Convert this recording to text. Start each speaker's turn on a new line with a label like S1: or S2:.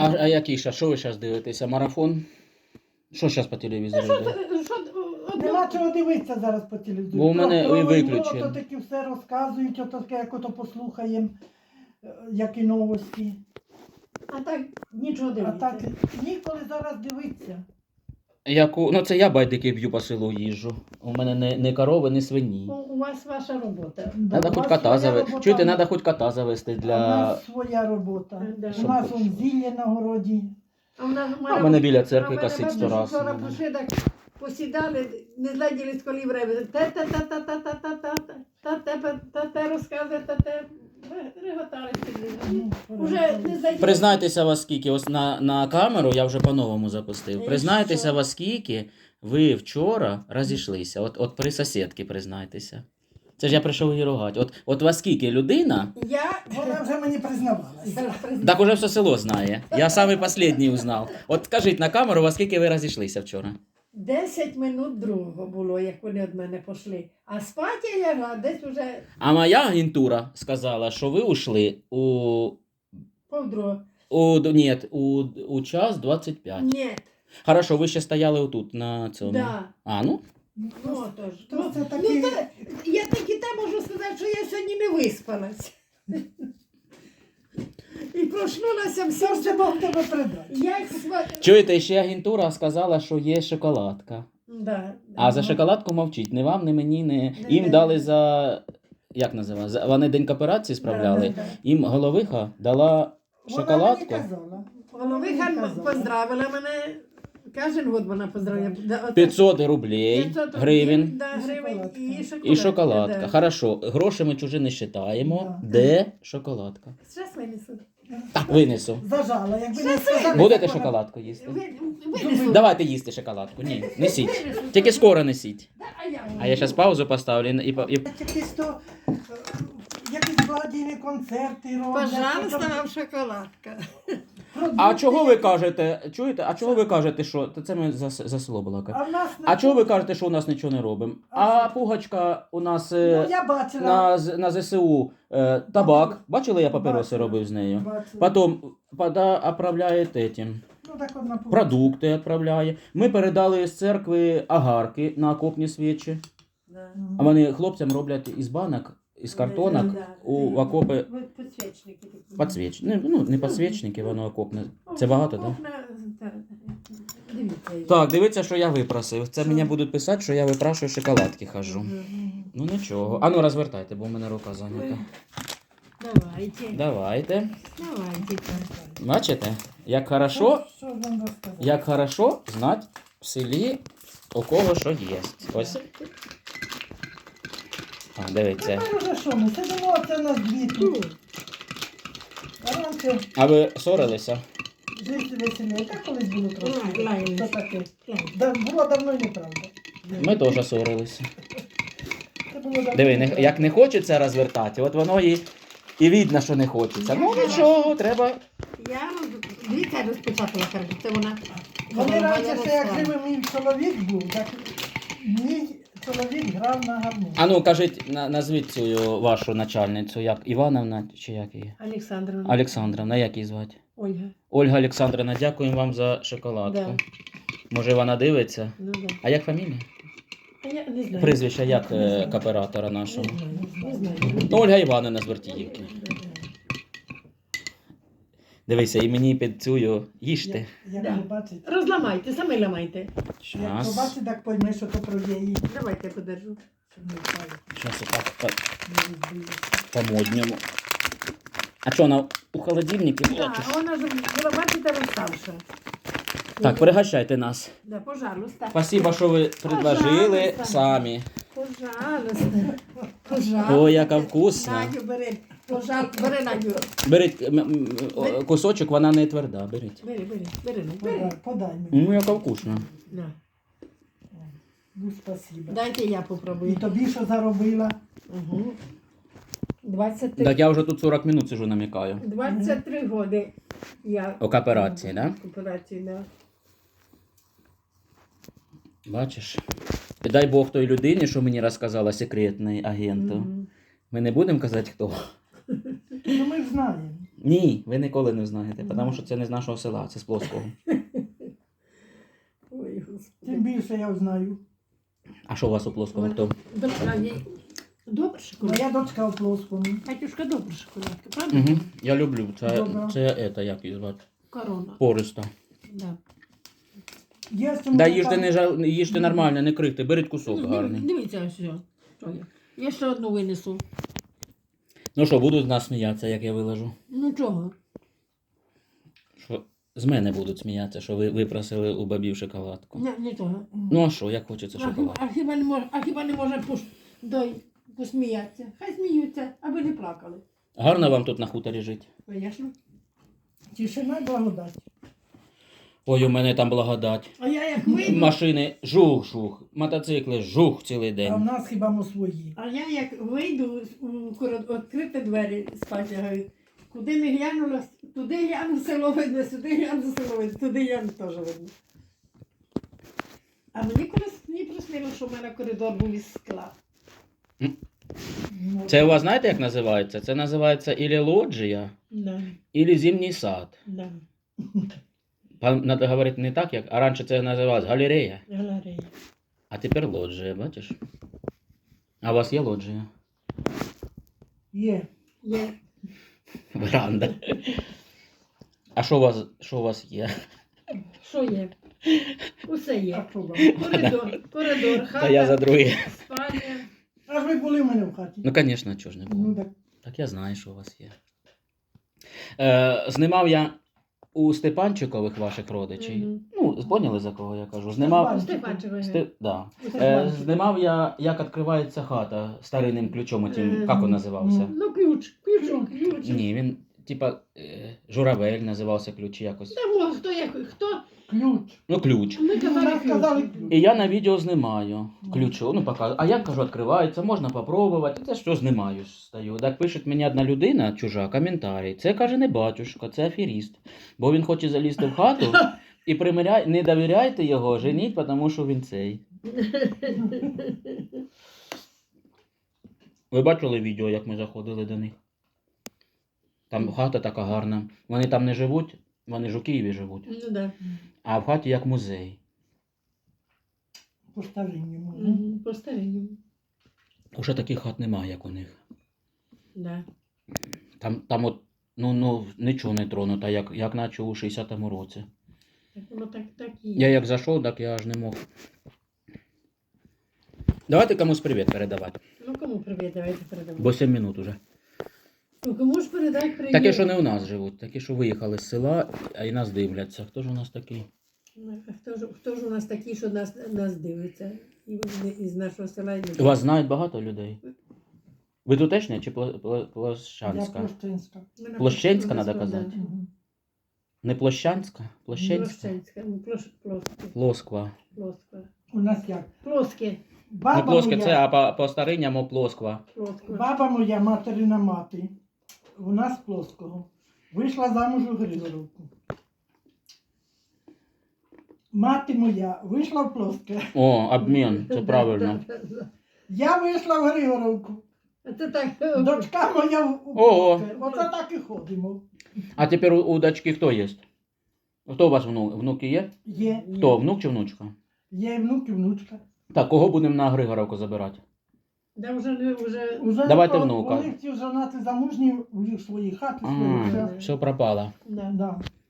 S1: А який ще? Що ви зараз дивитеся? Марафон? Що зараз по телевізору йде?
S2: Нема чого дивитися зараз по телевізору.
S1: Бо в мене
S2: Про
S1: і
S2: війну,
S1: виключено.
S2: ото таки все розказують, ото таке, як ото послухаємо, як і новості.
S3: А так нічого
S2: А
S3: дивитися.
S2: так ніколи зараз дивитися.
S1: Ну це я байдики б'ю по селу їжджу. У мене не корови, не свині.
S3: У вас ваша робота.
S2: Да,
S1: Надо
S2: у
S1: хоч
S2: вас
S1: кота
S2: своя
S1: завести.
S2: робота,
S1: Чуєте,
S2: а
S1: треба хоч кота завести
S2: У
S1: для...
S2: нас своя робота.
S3: Да.
S2: У нас он зілля на городі.
S3: А
S1: в мене біля церкви косить 100 раз.
S3: Вчора пішли, так посідали, не зладіли з колів реви. Те розказує, те реготали собі. Уже не зладіли.
S1: Признайтеся вас скільки, ось на камеру я вже по-новому запустив.
S3: І
S1: Признайтеся
S3: що?
S1: вас скільки ви вчора розійшлися. От при сусідці признайтеся. Це ж я прийшов її ругати. От вас скільки людина,
S2: Вона вже мені признавалася.
S1: так уже все село знає. Я самий останній узнав. От скажіть на камеру, вас скільки ви розійшлися вчора?
S3: 10 минут другого було, як вони від мене пішли. А спати я лягла десь уже
S1: А моя агентура сказала, що ви ушли
S3: повдруго.
S1: у час 25.
S3: Ні,
S1: Хорошо, ви ще стояли отут на цьому.
S3: да.
S1: А, ну?
S3: Ну, отож.
S2: То це
S3: Ну,
S2: такі...
S3: я так і те можу сказати, що я сьогодні не виспалась. І проснулася
S2: Все ж
S3: всім.
S2: це Бог тебе придасть.
S3: Як
S1: Чуєте, ще агентура сказала, що є шоколадка.
S3: Да.
S1: А за шоколадку мовчить. Не вам, не мені, не...
S3: Не
S1: Їм
S3: не.
S1: дали за... Як називається? Вони день кооперації справляли.
S3: Да.
S1: Їм головиха дала шоколадку.
S2: Вона мені казала.
S3: Головиха поздравила мене. Кожен год вона поздравляє.
S1: 500 рублей,
S3: 500
S1: гривень
S3: Да, гривень
S1: і шоколадка.
S3: Да.
S1: Хорошо, гроші ми чужі не вважаємо.
S2: Да.
S1: Де шоколадка?
S3: Зараз винесу.
S1: Так, винесу.
S2: Зажала, якби не сказали.
S1: Будете
S2: так вона-
S1: шоколадку їсти?
S3: Винесу.
S1: Давайте їсти шоколадку. Ні, несіть. Тільки скоро несіть.
S3: Да,
S1: А я зараз паузу поставлю і
S2: Якісь то, якісь благодійні концерти роблять.
S3: Пожалуйста, вам шоколадка.
S1: А чого ви кажете, чуєте, а чого ви кажете, що... Це ми за село балакаємо.
S2: А в нас
S1: А чого ви кажете, що у нас нічого не робимо? А пугачка у нас
S2: Ну, я бачила.
S1: на ЗСУ табак. Бачили, я папіроси
S2: Бачила.
S1: робив з нею?
S2: Бачила.
S1: Потім оправляє этим,
S2: Ну, так одна
S1: продукти відправляє. Ми передали з церкви агарки на окопні свічі. А вони хлопцям роблять із банок, із картонок в окопи
S3: Підсвічники такі.
S1: підсвічники. Ну, не підсвічники, воно окопне. Це багато, так?
S3: Дивіться.
S1: Так, дивіться, що я випросив. Це мені будуть писати, що я випрашую шоколадки хожу. Ну нічого. А ну розвертайте, бо в мене рука зайнята.
S3: Давайте.
S1: Давайте.
S3: Давайте.
S1: Бачите, як хорошо,
S2: Що ж вам розказати?
S1: як хорошо знати в селі, у кого що є. Ось. А, дивіться.
S2: Тепер уже що ми? Сидимо, це у нас дві тут. А раніше
S1: А ви ссорилися?
S2: жити веселіше. Так колись було трошки.
S3: Лаялись.
S2: Що таке? Було давно і неправда.
S1: Ми теж ссорилися.
S2: Це було давно
S1: Диви,
S2: і неправда.
S1: як не хочеться розвертати, от воно і видно, що не хочеться. Ну нічого, треба.
S3: Дивіться, розпечатала, кажу, це вона.
S2: Вони раніше ще як
S3: живе.
S2: живий мій чоловік був, так мій чоловік грав на гармоні.
S1: А ну кажіть, назвіть цю вашу начальницю, як Івановна чи як її?
S3: Олександровна.
S1: Олександровна, як її звати?
S3: Ольга.
S1: Ольга Олександровна, дякуємо вам за шоколадку.
S3: Да.
S1: Може вона дивиться?
S3: Ну, да.
S1: А як фамілія?
S3: А я не знаю.
S1: Прізвище як
S3: Не знаю.
S1: кооператора нашого?
S3: Не знаю.
S1: Ну, Ольга Івановна з Вертіївки. Дивися, і мені під цю їжте.
S2: Як
S3: Да.
S2: побачить,
S3: Розламайте, самі ламайте.
S2: як
S1: Щас.
S2: побачить, так пойме, що то про її.
S3: Давайте я подержу.
S2: Щоб не впали,
S1: Щас отак
S2: не розбилися.
S1: по-модньому. А що, вона у холодильнику була?
S3: Так,
S1: чи що?
S3: вона ж була, бачите, розставша.
S1: Так, пригощайте нас.
S3: Да, пожалуйста.
S1: Спасибо, що ви предложили
S3: Пожалуйста.
S1: самі.
S3: Пожалуйста. Пожалуйста.
S1: Ой, яка вкусна.
S3: Надю, бери. Пожалуйста, бери, Надю.
S1: Беріть кусочок, вона не тверда, беріть.
S3: Бери, бери.
S2: Подай мені.
S1: Ну, яка вкусна.
S3: Да.
S2: Ну, спасибо.
S3: Дайте я
S2: І
S3: попробую.
S2: тобі що заробила?
S3: Угу. 23.
S1: Так я вже тут 40 минут сижу намікаю.
S3: 23 годи я
S1: У кооперації, да?
S3: Кооперації, да.
S1: Бачиш? І дай Бог той людині, що мені розказала секретний агенту.
S3: Мгм.
S1: Ми не будемо казати, хто.
S2: Ну ми ж знаємо.
S1: Ні, ви ніколи не знаєте, тому що це не з нашого села, це з Плоского.
S3: Ой, Господи.
S2: Тим більше я знаю.
S1: А що у вас у Плоского хто?
S3: Дочка, добре шоколадка.
S2: Моя дочка у Плоскому.
S3: Катюшка, добра шоколадка, правда?
S1: Угу. Я люблю.
S2: Добре.
S1: Це як її звати?
S3: Корона.
S1: Пориста.
S3: Да.
S2: Є
S1: Да їжте, їжте нормально, не крихте, беріть кусок гарний.
S3: Дивіться ось. Що є. Я ще одну винесу.
S1: Ну що, будуть з нас сміятися, як я виложу?
S3: Ну чого?
S1: Що з мене будуть сміятися, що ви випросили у бабів шоколадку.
S3: Нічого.
S1: Ну а що, як хочеться шоколад?
S3: А хіба не може посміятися? Хай сміються, аби не плакали.
S1: Гарно вам тут на хуторі жити.
S3: Звісно.
S2: Тишина і благодать.
S1: Ой, у мене там благодать.
S3: А я як вийду,
S1: Машини жух-жух, мотоцикли жух цілий
S2: А в
S1: день.
S2: нас хіба ми свої.
S3: відкрити двері спати лягаю. Куди не глянула, туди гляну село видно, сюди гляну село видно, туди гляну теж видно. А мені колись не приснило, що в мене коридор був із скла.
S2: Ну,
S1: Це у вас знаєте, як називається? Це називається ілі лоджія,
S3: Да,
S1: ілі зимній сад.
S3: да.
S1: Надо говорити не так, як, а раніше це називалось галерея,
S3: Галерея.
S1: а тепер лоджія, бачиш? А у вас є лоджія?
S2: Є.
S3: Є.
S1: Веранда. А що у вас є?
S3: Що є? Усе
S2: А
S3: є.
S2: що вам?
S3: Коридор,
S1: Та я за
S3: хата,
S1: друге.
S3: спальня.
S2: А ж ви були в мене в хаті.
S1: Ну, звісно, чого ж не
S2: Ну
S1: було.
S2: так.
S1: Так я знаю, що у вас є. Знімав я у Степанчикових ваших родичів.
S3: Мгм.
S1: Ну, поняли, за кого я кажу? Знімав,
S3: Степанчикові.
S1: Да.
S2: Степанчикові.
S1: Знімав я, як відкривається хата старинним ключом,
S3: Мгм.
S1: тим, як він називався?
S3: Ну, ключ.
S1: Ні, він, типа, журавель називався ключ якось.
S3: Та хто як, хто?
S2: Ключ.
S1: Ну, ключ.
S3: Ми
S2: Ну,
S3: казали
S2: нам сказали
S3: ключ.
S2: ключ.
S1: І я на відео знімаю ключу, ну показую. А як кажу, відкривається, можна попробувати. Це що знімаю, стою. Так пише мені одна людина, чужа, коментарі. Це каже не батюшка, це аферіст. Бо він хоче залізти в хату і не довіряйте його, женіть, тому що він цей. Ви бачили відео, як ми заходили до них? Там хата така гарна. Вони там не живуть, вони ж у Києві живуть.
S3: Ну, да.
S1: А в хаті як музей.
S2: По старинньому.
S3: По старинньому.
S1: Уже таких хат немає, як у них.
S3: Да.
S1: Там от, ну, нічого не тронуто, як наче у 60-му році.
S3: Так воно так і
S1: Я
S3: є.
S1: як зайшов, так я аж не мог. Давайте комусь привіт передавати.
S3: Ну кому привіт, давайте передамо.
S1: Бо 7 минут уже.
S3: Ну кому ж передай привіт?
S1: Такі, що не у нас живуть, такі, що виїхали з села, а і нас дивляться. Хто ж у нас такий?
S3: Ну, а хто ж у нас такі, що нас дивиться? І вони із нашого села. І
S1: Вас знають багато людей? Ви тутешня чи
S2: Я
S1: Площанська?
S2: Площинська.
S1: Площенська надо казати.
S2: Мгм.
S1: Не Площанська? Площенська?
S3: Площенська. Ну, плоске.
S1: Плосква.
S3: Плоске.
S2: У нас як?
S3: Плоске.
S1: Не
S2: Баба
S1: плоске це,
S2: моя,
S1: а по старинному Плосква.
S3: Плоске.
S2: баба моя, материна мати, у нас Плоского, вийшла замуж у Григоровку. Мати моя вийшла в Плоске.
S1: О, обмін, це правильно.
S2: Я вийшла в Григоровку.
S3: Це так.
S2: Дочка моя в
S1: Ого.
S2: Плоске. Оце так і ходимо.
S1: А тепер у дочки хто є? Хто у вас внуки є?
S2: Є.
S1: Хто, внук чи внучка?
S2: Є і внук, і внучка.
S1: Так, кого будемо на Григоровку забирати?
S3: Да, вже
S2: Уже
S1: Давайте
S2: то
S1: внука.
S2: Вони всі женати замужні, у них свої хати, свої.
S1: А,
S2: все.
S1: все пропало.
S3: да.
S2: Да.